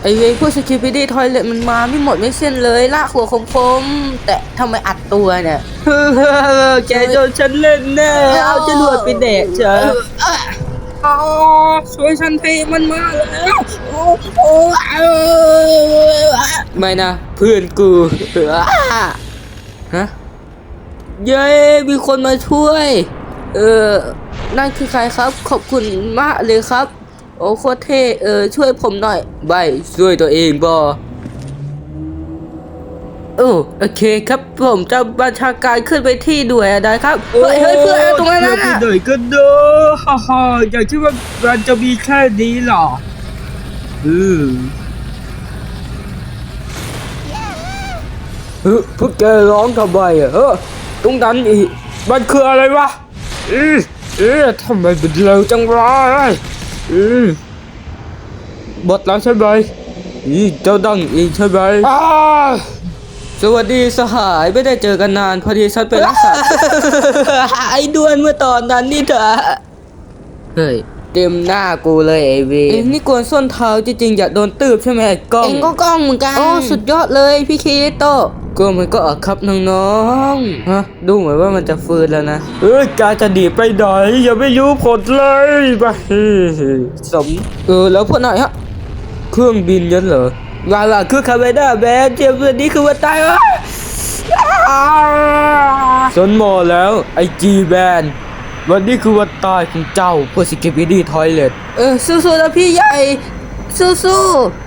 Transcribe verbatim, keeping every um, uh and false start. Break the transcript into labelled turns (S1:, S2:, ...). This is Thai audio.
S1: ไอเวพวกสกิปปี้ดี้ทอยเลทมันมาไม่หมดไม่สิ้นเลยลากหัวคมๆแต่ทำไมอัดตัวเนี่ยแกโดนฉันเล่นแน่เอาจรวดไปแดกเถอะช่วยฉันทีมันมาแล้วไม่นะเพื่อนกูฮะเย้มีคนมาช่วยเออนั่นคือใครครับขอบคุณมากเลยครับโอ้โคตรเท่เออช่วยผมหน่อยใบช่วยตัวเองบอโอ้โอเคครับผมจะบัญชาการขึ้นไปที่ด้วยได้ครับเฮ้ยเฮ้ยเพื่อนตรงนั้นน่ะ
S2: หน่อยก็เด้อฮ่าฮ่าอยากคิดว่ามันจะมีแค่นี้หรออือเฮ้ยพวกแกร้องทำไมอ่ะเฮ้ยตรงนั้นอีกมันคืออะไรวะอือเอ๊ะทำไมมันเร็วจังวะอือบทแล้วใช่ไหมอีเจ้าดังอีกใช่ไหมอ้า
S1: สวัสดีสหายไม่ได้เจอกันนานพอดีฉันไปรักษา ไอ้ด้วนเมื่อตอนนั้นนี่เถอะเฮ้ยเต็มหน้ากูเลยไอ้เวเอ็งนี่กวนส้นเท้าจริงๆอยากโดนตืบใช่ไหมไอ้กล้องเอ็งก็กล้องเหมือนกันโอ้สุดยอดเลยพี่คิโตก็มันก็อะครับน้องๆฮะดูเหมือนว่ามันจะฟื้นแล้วนะ
S2: เอ้ยกาจะดีไปไหนอย่าไม่รู้ผลเลยไปสม
S1: เออแล้วพวกนายฮะ
S2: เครื่องบินยันเหรอ
S1: ว่าว่าคือคาเมด้าแบนเทียบตัวนี้คือว่าตายวะ
S2: สนหมอแล้วไอจีแบนวันนี้คือวันตายของเจ้าพวกสกิปปี้ดี้ทอยเลท
S1: เออสู้ๆนะพี่ใหญ่สู้ๆ